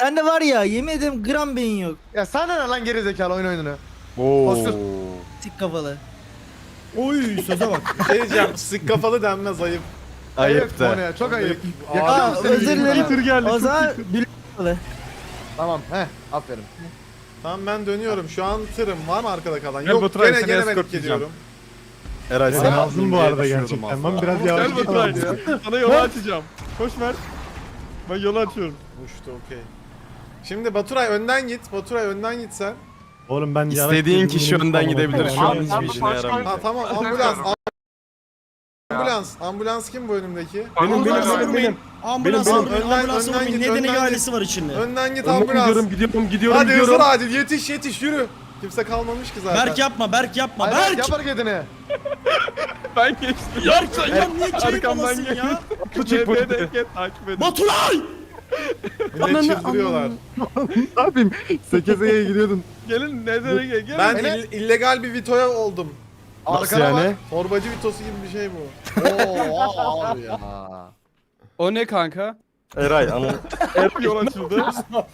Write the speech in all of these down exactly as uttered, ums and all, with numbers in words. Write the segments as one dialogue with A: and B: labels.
A: Sende var ya yemin ederim gram beyin yok.
B: Ya sana ne lan gerizekalı oyun oyununu.
C: Oo.
B: Oscar.
A: Tik kafalı.
D: Oy söze bak.
E: Şey diyeceğim, sık kafalı denmez ayıp.
C: Ayıp da.
B: Mono'ya, çok ayıp.
E: Aa,
B: Yakışır
A: Aa
B: mı senin
A: özür
B: yüzüne
A: dilerim.
B: ya?
D: Tır geldi,
A: O
D: çok
A: zaman
D: iyi.
A: bil kafalı.
B: Tamam he aferin.
E: Tamam ben dönüyorum. Şu an tırım. Var mı arkada kalan?
D: Gel
E: Yok
D: Baturay,
E: gene
D: seni
E: gene ben
D: escort
E: gidiyorum.
C: Eray
B: Ya
C: sen
B: lazım
C: bu arada gerçekten. Ben biraz yavaş
D: Gel Baturay. Sana yolu açacağım. Koş Mert. Ben yolu açıyorum.
E: Uçtu okey. Şimdi Baturay önden git. Baturay önden git sen.
C: Oğlum ben
F: İstediğin kişi önden gidebilir. Şu an
G: Abi,
F: hiçbir
G: abi,
F: işine
G: başka-
F: yaramıyor.
E: Ha tamam ambulans. Ambulans. Ambulans kim bu önümdeki?
D: Benim benim
G: Ambulans
D: benim benim. Ambulans
E: Benim,
D: vurmayın,
E: önden-
D: ambulans
E: önden
D: vurmayın.
E: git,
D: Nedeni
E: önden
D: ailesi var içinde.
E: Önden git
D: Önden
E: ambulans.
D: gidiyorum, gidiyorum, gidiyorum,
E: Hadi
D: gidiyorum.
E: hızlı acil yetiş yetiş yürü. Kimse kalmamış ki zaten.
D: Berk yapma, Berk yapma,
B: Hayır Berk
D: Berk!
B: yap hareketini.
D: Ben geçtim. Berk sen ya niye keyif alasın ya?
C: Küçük bu.
D: Takip edin. Baturay!
E: Millet çıldırıyorlar.
C: Ne yapayım? Sekize'ye gidiyordun.
D: Gelin nedene gel, gelin.
E: Ben
B: Hele-
E: ill- illegal bir Vito'ya oldum.
C: Nasıl
B: Arkana
C: yani?
E: Torbacı Vito'su gibi bir şey bu.
B: Oo abi ya.
H: O ne kanka?
F: Eray ama
D: Yol açıldı.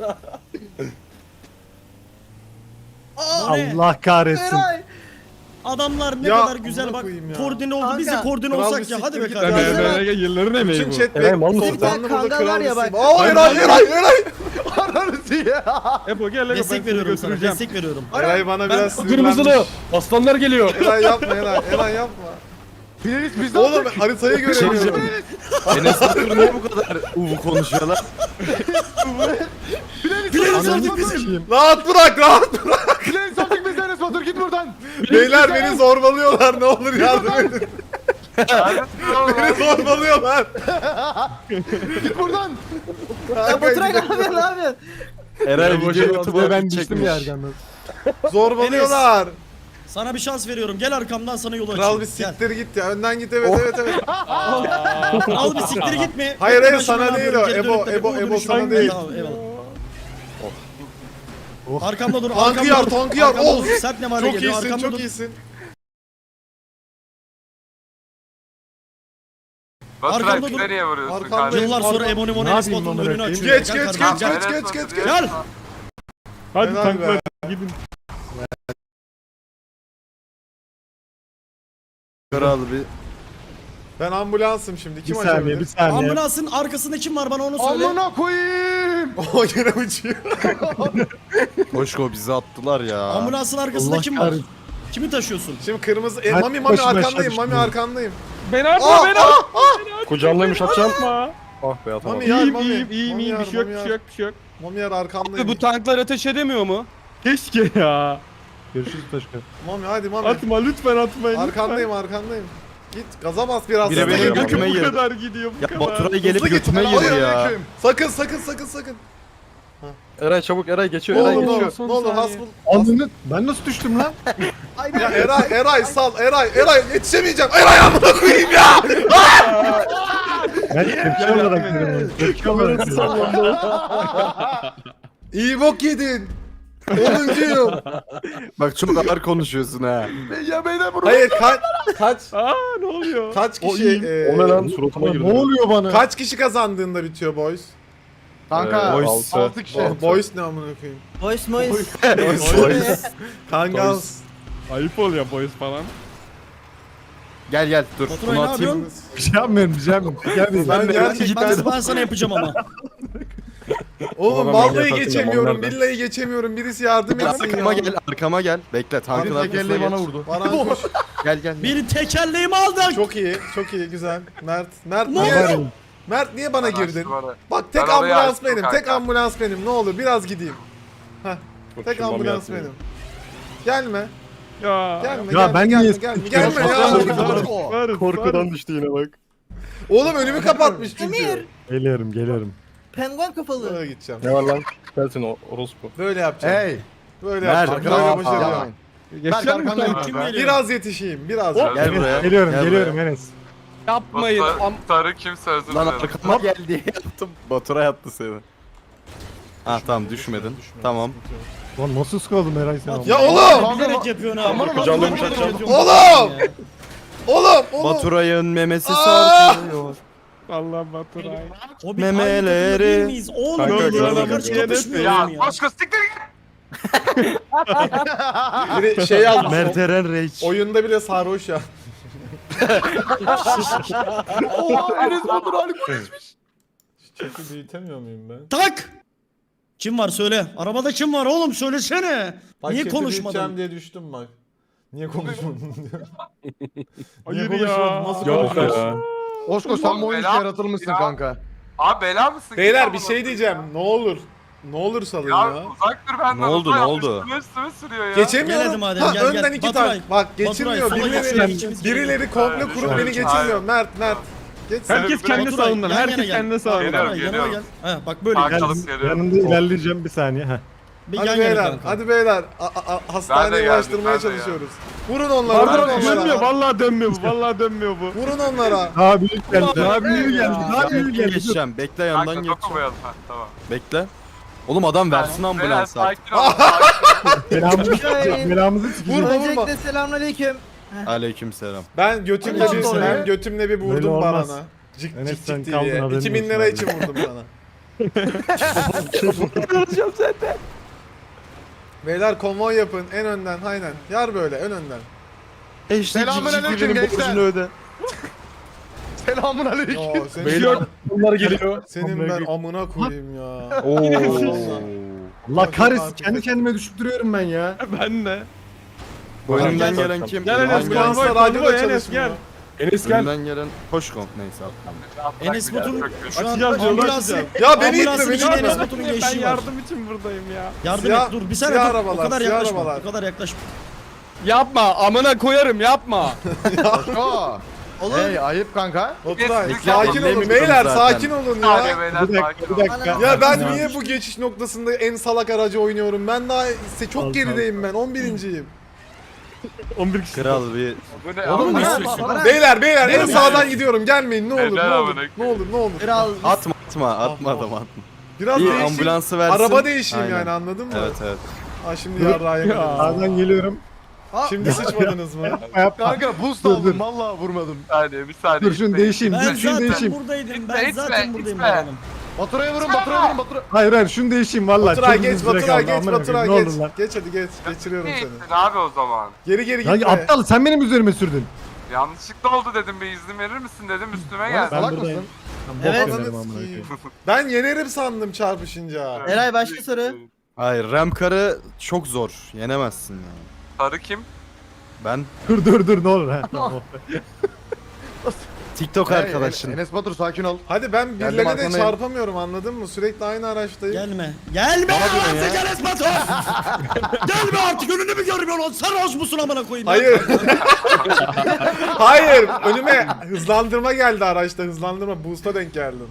D: Aa, ne?
C: Allah kahretsin.
A: Eray.
D: Adamlar ne
E: Ya,
D: kadar güzel
E: amına
D: bak.
E: koyayım ya.
D: Koordine oldu. Biz de
A: Kanka,
D: koordine
E: kral
D: olsak
E: bir
D: ya. Hadi
E: siktir
D: be
E: git
D: kardeşim.
E: lan.
A: Ben-
D: yılların emeği
E: Bütün chat
C: Eray, mal
E: bek
C: mısın?
E: toplandı
A: Bir
E: burada
A: tane kangal var ya
E: kral
A: bak.
E: Aa Eray Eray Eray.
B: Ananı ya.
D: Epo gel Ego, ben
A: Destek
D: seni
A: veriyorum sana.
D: götüreceğim.
A: Destek veriyorum.
E: Eray bana
D: Ben-
E: biraz
H: Kırmızılı.
E: sinirlenmiş.
H: Aslanlar geliyor.
E: Eray yapma Eray. Eray yapma.
B: Finalist biz de
E: Oğlum
B: olduk.
E: haritayı göremiyorum.
F: Enes Batur niye bu kadar uvu konuşuyorlar?
B: Finalist olduk biz.
E: Rahat bırak rahat bırak.
B: Finalist olduk biz de Enes Batur git buradan.
E: Beyler beni zorbalıyorlar ne olur yardım edin. Beni zorbalıyorlar.
B: Git buradan.
A: Ya Baturay ne yapıyorsun ne yapıyorsun?
F: Eray
C: Boşa
F: video
C: YouTube'a
F: YouTube'a
C: ben
F: ben
C: düştüm
F: çekmiş.
C: yerden.
E: Zorbalıyorlar.
D: Sana bir şans veriyorum. Gel arkamdan sana yolu
E: Kral
D: açayım.
E: bir
D: Gel.
E: siktir git ya. Önden git evet evet evet.
D: Al bir siktir gitme.
E: Hayır,
D: Ben
E: hayır,
D: şuradan
E: sana değil o.
D: böyle geri
E: Ebo,
D: dönüp de
E: Ebo,
D: bu
E: Ebo
D: dönüşü-
E: sana değil.
D: Tamam, eyvallah.
C: Oh.
D: Arkamda dur.
E: Tankı
D: arkamda
E: yar
D: dur.
E: tankı yar.
D: Arkamda
E: Ol.
D: dur. Sert ne var
E: Çok
D: geliyor.
E: iyisin
D: Arkamda
E: çok
D: dur.
E: iyisin.
G: Baturay
D: Arkamda dur.
G: nereye vuruyorsun
E: Arkamda-
G: kardeşim?
D: Yıllar sonra
E: Arkam-
D: Ebony
C: Ne
D: Monelis
C: yapayım
D: Batu'nun
C: amına
D: önünü
C: koyayım?
D: açıyor.
E: Geç
D: Gel
E: geç
D: kardeşim,
E: geç
D: gel.
E: geç
G: Enes
E: geç geç
G: Batur
E: geç.
D: Gel.
C: Hadi
E: Helal
C: tanklar
E: be.
C: gidin.
F: Kral bir.
E: Ben ambulansım şimdi.
C: Bir
E: Kim
C: saniye
E: açabilir?
C: bir saniye.
D: Ambulansın arkasında kim var bana onu söyle.
B: Amına koyayım.
E: O yine uçuyor.
F: Koşko bizi attılar ya.
D: Ambulansın arkasında
C: Allah
D: kim var?
C: kahretsin.
D: Kimi taşıyorsun?
E: Şimdi kırmızı. E,
C: Hadi
E: mami mami
C: başına
E: arkandayım.
C: aşağı
E: Mami
C: düştüm.
E: arkandayım.
H: Beni atma
E: Aa,
H: beni
E: aa,
H: atma.
F: Kucağındaymış atacağım.
H: Atma.
F: Ah be atamadım.
E: Mami yar
H: İyiyim
E: mami.
H: iyiyim iyiyim
E: Mami
H: iyiyim
E: yar,
H: bir şey yok
E: mami
H: bir
E: yar.
H: şey yok bir şey yok.
E: Mami yar arkandayım.
H: Abi bu tanklar ateş edemiyor mu?
C: Keşke ya. Görüşürüz Taşka.
E: Mami hadi mami.
D: Atma lütfen atmayın.
E: Arkandayım arkandayım. Git gaza bas biraz.
F: Biri
E: Hızlı
F: benim
E: git.
F: götüme
D: Bu
F: girdi.
D: kadar gidiyor bu
F: Ya
D: kadar.
F: Baturay gelip
E: Hızlı git.
F: götüme girdi ya.
B: Selamünaleyküm.
E: Sakın sakın sakın sakın.
F: Eray çabuk Eray
E: Ne
F: geçiyor Eray
E: olur ne
F: geçiyor.
E: olur. Ne olur hasbul.
C: Anını ben nasıl düştüm lan?
E: Ya Eray Eray sal Eray Eray yetişemeyeceğim. Eray amına koyayım ya.
C: Ben tepki olarak dedim. Tepki olarak dedim.
E: İyi bok yedin. onuncuyum.
F: Bak çok ağır konuşuyorsun ha.
B: Ya beyler bunu.
E: Hayır kaç kaç
D: Aa ne oluyor?
E: kaç
C: O
E: kişi
C: iyi.
E: e,
F: O ne lan suratıma
C: Ne
F: girdi.
C: oluyor bana?
E: kaç kişi kazandığında bitiyor boys?
B: Kanka
F: Ee, boys.
B: altı altı kişi.
E: Oh, boys ne amına koyayım?
A: Voice noise.
F: Boys.
E: Kangals.
D: Ayıp oluyor boys falan.
F: Gel gel dur.
D: Baturay
F: Bunu
D: ne
F: atayım.
D: yapıyorsun?
C: Bir şey yapmıyorum bir şey yapmıyorum. Gel değil.
E: Ben
F: de-
E: gerçekten
D: Ben, ben sana yapacağım ama.
E: oğlum
F: ben
E: vallahi
F: yaparsın
E: geçemiyorum.
F: zamanlarda.
E: Billahi geçemiyorum. Birisi yardım etsin
F: Arkama
E: ya.
F: gel arkama gel. Bekle tankın
E: Abi
F: arkasına
C: tekerleği
F: geç.
C: bana vurdu.
E: Baran koş.
F: Gel gel.
D: Bir tekerleğimi aldın.
E: Çok iyi. Çok iyi. Güzel. Mert. Mert
D: Ne
E: niye?
C: Var
E: Mert niye bana girdin?
G: Bana-
E: Bak tek
G: Ben orayı
E: ambulans
G: açtım
E: benim. Tek
G: kanka.
E: ambulans benim. Ne olur biraz gideyim. Heh. Tek
F: Şundan bir
E: ambulans
F: atayım.
E: benim. Gelme.
D: Ya.
E: Gelme.
C: Ya
E: gelme,
C: ben
E: gelme,
C: niye
E: gelme,
C: sıkıyorum?
E: gelme ya.
D: Varız,
F: Korkudan
D: varız.
F: düştü yine bak.
E: Oğlum önümü kapatmış
A: Emir.
E: çünkü.
C: Geliyorum geliyorum.
A: Penguen kafalı.
E: Böyle gideceğim.
F: Ne var lan? Sensin o orospu.
E: Böyle yapacağım.
B: Hey.
E: Böyle
F: Nerede?
E: yapacağım. Böyle
F: Aa,
E: yapacağım.
B: Yapmayın.
D: Geçeceğim mi?
B: arkandayım.
D: Kim geliyor?
E: Biraz yetişeyim. Biraz.
F: Gel buraya.
C: Geliyorum
F: gel
C: geliyorum
F: buraya.
C: Enes.
H: Yapmayın.
G: Batu-
H: Am
G: Tarık kimse özür
F: Lan
G: dilerim.
F: arkama gel diye yaptım. Baturay attı seni. Ha tamam düşmedin. Tamam.
C: Lan nasıl sıkıldım Eray sen?
E: Ya oğlum!
D: Bilerek yapıyorsun ha.
B: Aman
F: Kucağımda
D: Bilerek
F: yumuşatacağım.
D: yapıyorsun.
E: Oğlum! Oğlum! Oğlum!
F: Baturay'ın memesi
E: Aa!
F: sarkıyor.
D: Vallahi Baturay.
G: O bir
F: Memeleri.
G: aynı takımda değil miyiz? Oğlum
D: Kanka,
G: böyle
D: gördüm.
G: yola karşı
D: Evet,
G: kapışmıyor
H: Ya
G: muyum ya?
H: Koşko siktir git.
E: Biri şey yazmış.
F: Mert Eren Reis.
E: Oyunda bile sarhoş ya.
B: Oha Enes Batur alkol içmiş.
E: Çeki büyütemiyor muyum ben?
G: Tak! Kim var söyle. Arabada kim var oğlum söylesene.
E: Bak
G: Niye
E: chat'i
G: konuşmadın?
E: büyüteceğim diye düştüm bak. Niye konuşmadın diyor.
D: Hayır
E: Niye
D: ya.
E: konuşmadın? Nasıl
D: Yok
E: konuşuyorsun?
D: ya.
B: Osko sen bu oyun için
H: Bela-
B: yaratılmışsın
H: Ya.
B: kanka.
H: Abi bela mısın?
E: Beyler
H: Git
E: bir
H: amına
E: şey diyeceğim. Ne olur. Ne olur salın
H: Ya,
E: ya.
H: uzak dur benden.
F: Ne oldu,
H: uzak.
F: ne oldu?
H: Üstüme üstüme sürüyor ya.
E: Geçemiyorum.
G: Gel hadi madem,
E: ha,
G: gel,
E: önden
G: gel.
E: iki
G: Baturay,
E: tane. Bak geçirmiyor.
G: Baturay, sola
E: Birileri,
G: geçelim.
E: birileri komple
H: Hayır,
E: kurup
H: hayır,
E: beni geçirmiyor.
H: hayır.
E: Mert, Mert. Geç sen.
D: Herkes kendi
G: Baturay,
D: savundan.
G: yan yana
D: Herkes
G: gel.
D: kendi savundan.
H: Geliyorum,
G: Baturay, yanıma gel.
H: geliyorum.
G: Ha, bak böyle
H: Bak.
G: gel.
H: Çalıp geliyorum.
C: Yanında ilerleyeceğim bir saniye. Heh.
G: Bir
E: Hadi
G: yan yana
E: beyler,
G: kanka.
E: hadi beyler. A- a- a-
H: Ben
E: hastaneye
H: de geldim,
E: ulaştırmaya
H: ben de
E: çalışıyoruz. Vurun onlara,
D: Pardon
E: vurun
D: dönmüyor.
E: onlara.
D: Vallahi dönmüyor bu. Vallahi dönmüyor bu.
E: Vurun onlara.
C: Daha büyük geldi. Daha büyük
G: Ya.
C: geldi. Daha büyük
F: Bekle
C: geldi. Dur.
F: geçeceğim. Bekle
H: Kanka
F: yandan geçeceğim.
H: dokunmayalım. Ha, tamam.
F: Bekle. Oğlum adam versin
H: Beyler
F: ambulansı artık.
H: sakin ol. sakin ol.
C: Belamızı sikeceğim. Belamızı sikeceğim.
E: Vurma, vurma.
A: Öncelikle selamünaleyküm.
F: Aleykümselam.
E: Ben götümle
A: Hadi
E: bir,
A: oraya.
E: ben götümle bir
C: Böyle
E: vurdum
C: olmaz.
E: barana. Cık
C: Enes,
E: cık
C: sen
E: cık
C: kaldın,
E: diye.
C: haberin
E: iki bin
C: olsun
E: lira
C: abi.
E: için vurdum sana. Beyler konvoy yapın en önden aynen. Yar böyle en önden.
F: E işte
B: Selamünaleyküm
F: Cicici'nin
B: gençler.
F: borcunu öde.
B: Selamun aleyküm.
E: Yo, senin,
D: Beyler bunlar geliyor.
E: senin ben amına koyayım ya.
C: Allah kahretsin. Kendi kendime düşüp duruyorum ben ya.
D: Ben de.
F: Bu önümden
D: Gel,
F: gelen kim?
D: Gel Enes
E: Ambulanslar
D: konvoy
E: radyoda
D: konvoy Enes
E: çalışmıyor.
D: gel. Enes gel.
F: Önümden gelen hoş komp neyse abi.
G: Enes Batur'un şu an
D: Açacağız, yolu
G: ambulansı.
D: açacağız.
E: Ya beni itme
G: Ambulansın
E: beni
G: içinde
E: itme.
G: Enes Batur'un
D: Ben
G: geçişi var.
D: yardım için buradayım ya.
G: Yardım
E: Siyah-
G: et dur bir saniye
E: siyah
G: dur.
E: arabalar,
G: O kadar
E: siyah
G: yaklaşma.
E: arabalar.
G: O kadar yaklaşma.
H: Yapma amına koyarım yapma.
B: Osko.
A: Olur.
B: Hey ayıp kanka.
E: Oturay
H: Kes,
E: sakin
F: kes.
E: olun
F: Dinlemiyorum
E: beyler
F: zaten.
E: sakin olun
H: Hadi
E: ya.
H: beyler
C: Bir dakika,
H: sakin
C: bir
H: ol.
C: dakika.
E: Ya ben
C: Ya.
E: niye bu geçiş noktasında en salak aracı oynuyorum? Ben daha se- çok
C: Al,
E: gerideyim ben on birinciyim.
D: on bir kişi.
F: Kral bir
H: Bu ne
G: Oğlum
H: amına
G: ne
H: koyayım?
G: istiyorsun?
E: Beyler beyler en
G: Ne
E: sağdan gidiyorum gelmeyin ne olur
H: Neden
E: ne olur
H: amına
E: ne olur ne olur.
A: Kral.
F: atma atma atma adam atma.
E: Biraz
F: İyi
E: değişeyim.
F: ambulansı versin.
E: Araba değişeyim
F: Aynen.
E: yani anladın mı?
F: Evet evet.
E: Ha şimdi yarrağı yemedim.
C: Sağdan geliyorum.
E: Şimdi sıçmadınız mı?
C: Yapma yapma.
B: Kanka boost
C: Dur,
B: aldım
C: dur.
B: vallahi vurmadım.
H: Bir saniye bir saniye.
C: Dur şunu
H: gitmeyin.
C: değişeyim.
G: Ben
C: Dur şunu
G: zaten
C: değişeyim.
G: buradaydım.
H: Gitme,
G: Ben
H: gitme,
G: zaten buradayım
H: gitme.
G: adamım.
B: Batura'ya vurun Batura'ya vurun Batura.
C: Hayır hayır şunu değişeyim valla.
E: Baturay
C: Çok
E: geç
C: uzun süre
E: Baturay
C: kaldı,
E: geç
C: amına
E: Baturay
C: koyayım,
E: geç.
C: Ne olur lan.
E: Geç hadi geç. Geçiriyorum
H: Ne
E: seni.
H: gittin abi o zaman?
E: Geri geri
C: Lan
E: gitme.
C: aptal sen benim üzerime sürdün.
H: Yanlışlıkla oldu dedim bir izin verir misin dedim üstüme
B: Lan
H: gel.
B: salak
C: buradayım.
B: mısın?
A: Evet.
C: Bok
E: Ananı
C: yemedim amına
E: sikeyim.
C: koyayım.
E: Ben yenerim sandım çarpışınca.
A: Eray başka soru.
F: Hayır Remkar'ı çok zor. Yenemezsin yani.
H: Sarı kim?
F: Ben
C: Dur dur dur ne olur ha. Tamam.
F: TikTok
B: Hey,
F: arkadaşın.
B: Enes Batur sakin ol.
E: Hadi ben
B: Geldim
E: birilerine de
B: arkandayım.
E: çarpamıyorum anladın mı? Sürekli aynı araçtayım.
G: Gelme. Gelme artık Enes Batur. Gelme artık önünü mü görmüyorsun? Sarhoş musun amına koyayım? ya?
E: Hayır. Hayır. Önüme hızlandırma geldi araçta. Hızlandırma. Boost'a denk geldim.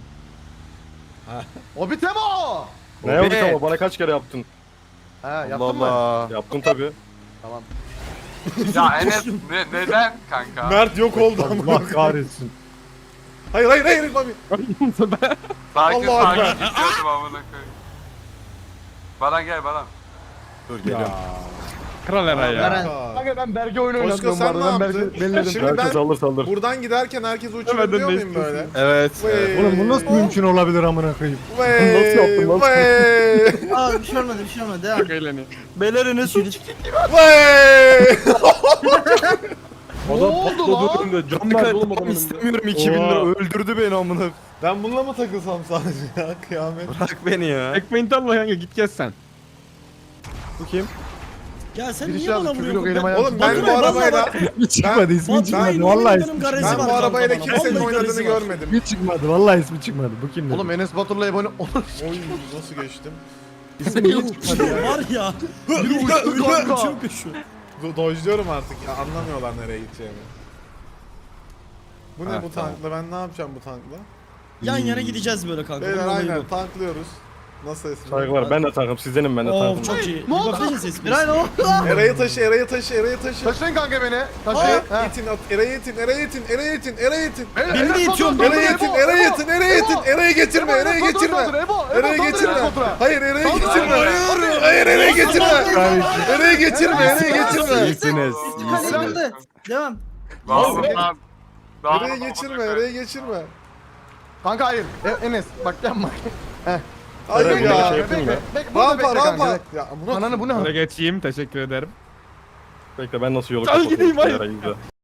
B: O biteme o.
I: Ne yaptın ama bana kaç kere yaptın?
B: Ha
F: Allah
B: yaptın mı?
F: Allah.
I: Yaptın tabi.
H: Ya Enes ne, neden kanka?
E: Mert yok oldu ama.
C: Allah kahretsin.
E: Hayır hayır hayır. Mami.
H: Sakin
E: Allah
H: sakin
E: Allah.
H: gidiyordum amına koyayım. Baran gel Baran.
F: Dur geliyorum.
D: Kral Eray ya.
A: Baran.
B: Kanka ben Berge oyunu
E: Osko
B: oynatmıyorum bu
E: sen ne
B: arada. Ben
E: yaptın?
B: Berge belledim.
E: Şimdi
I: Herkes
E: ben
I: alır saldır.
E: buradan giderken herkes
D: Hemen
E: uçurabiliyor
D: de
E: muyum böyle?
F: Evet. evet.
E: Vey,
C: Oğlum bu nasıl mümkün olabilir amına koyayım?
E: Vey,
I: Nasıl yaptın lan?
E: Vey,
A: Aa bir şey olmadı bir şey olmadı. Devam.
D: Çok eğleniyor.
F: Beyler Enes
E: vey.
I: Adam
B: oldu lan?
I: patladı önünde. Can verdi oğlum adamın önünde.
F: İstemiyorum iki bin lira öldürdü beni amına.
E: Ben bununla mı takılsam sadece ya kıyamet.
F: Bırak beni ya.
D: Ekmeğini Allah kanka git gez sen.
F: Bu kim?
G: Ya sen
B: Birisi
G: niye bana
B: yazdı çocuk
G: vuruyorsun?
B: elim
G: Ben-
B: ayağım.
E: Oğlum ben
G: Baturay,
E: bu
G: vallahi
E: arabayla
G: bak-
C: İsmi çıkmadı ismi
G: Baturay'ın
C: çıkmadı.
G: yemin
C: Vallahi
G: ederim
C: ismi
G: garezi
C: çıkmadı.
E: ben
G: var
E: bu arabayla
G: kanka bana.
E: kimsenin
G: Vallahi
E: oynadığını
G: garezi var.
E: görmedim.
C: İsmi çıkmadı. Vallahi ismi çıkmadı. Bu kim dedi?
B: Oğlum Enes Batur'la Ebony olur.
E: Oy nasıl geçtim?
C: ismi niye çıkmadı ya?
G: Var ya.
B: Biri uçtu kanka.
G: Çok güçlü.
E: Do- Dojluyorum artık ya anlamıyorlar nereye gideceğimi. Bu ne
F: Ha,
E: bu
F: tamam.
E: tankla ben ne yapacağım bu tankla?
G: Yan yana gideceğiz böyle kanka.
E: Beyler
G: Bunun olayı
E: aynen
G: bu.
E: tanklıyoruz. Nasıl esir?
I: Saygılar ben de tankım sizdenim ben de
G: Oo
I: tankım.
G: çok iyi.
B: Ne oldu?
G: Bir bakayım ses.
A: Eray ne oldu?
E: Eray'ı taşı, Eray'ı taşı, Eray'ı taşı.
B: Taşıyın kanka beni.
E: Eray'ı
B: Taşıyın. Ha.
E: itin, at, Eray'ı itin, Eray'ı itin, Eray'ı itin, Eray'ı itin.
B: Beyler,
G: Beni de
B: Enes
G: itiyorsun,
B: Batur,
E: Eray'ı
B: Ebo,
E: itin,
B: Ebo,
E: Eray'ı
B: Ebo,
E: itin, Eray'ı itin,
B: Ebo.
E: Eray'ı getirme,
B: Ebo,
E: Eray'ı
B: Enes Batur
E: getirme.
B: saldır, Ebo, Ebo
E: Eray'ı
B: saldır
E: getirme.
B: Enes Batur'a.
E: Hayır, Eray'ı
B: Saldır,
E: getirme.
B: Hayır.
E: Hayır, Eray'ı getirme. Eray'ı getirme, Eray'ı getirme.
F: İyisiniz.
A: Kazanıldı.
F: iyisiniz.
A: Devam.
H: Vallahi.
E: Eray'ı geçirme, Eray'ı geçirme.
B: Kanka hayır. E, Enes bak yapma.
E: Hayır
I: Eren,
E: ya.
I: şey yapayım mı?
B: Bek, burada
E: Rampa
B: bekle kanka.
E: rampa. Ya amına
B: Ananı bu ne?
D: Şöyle geçeyim teşekkür ederim.
I: Bekle ben nasıl yolu
D: Al gideyim, hayır.
I: Eray'ı da.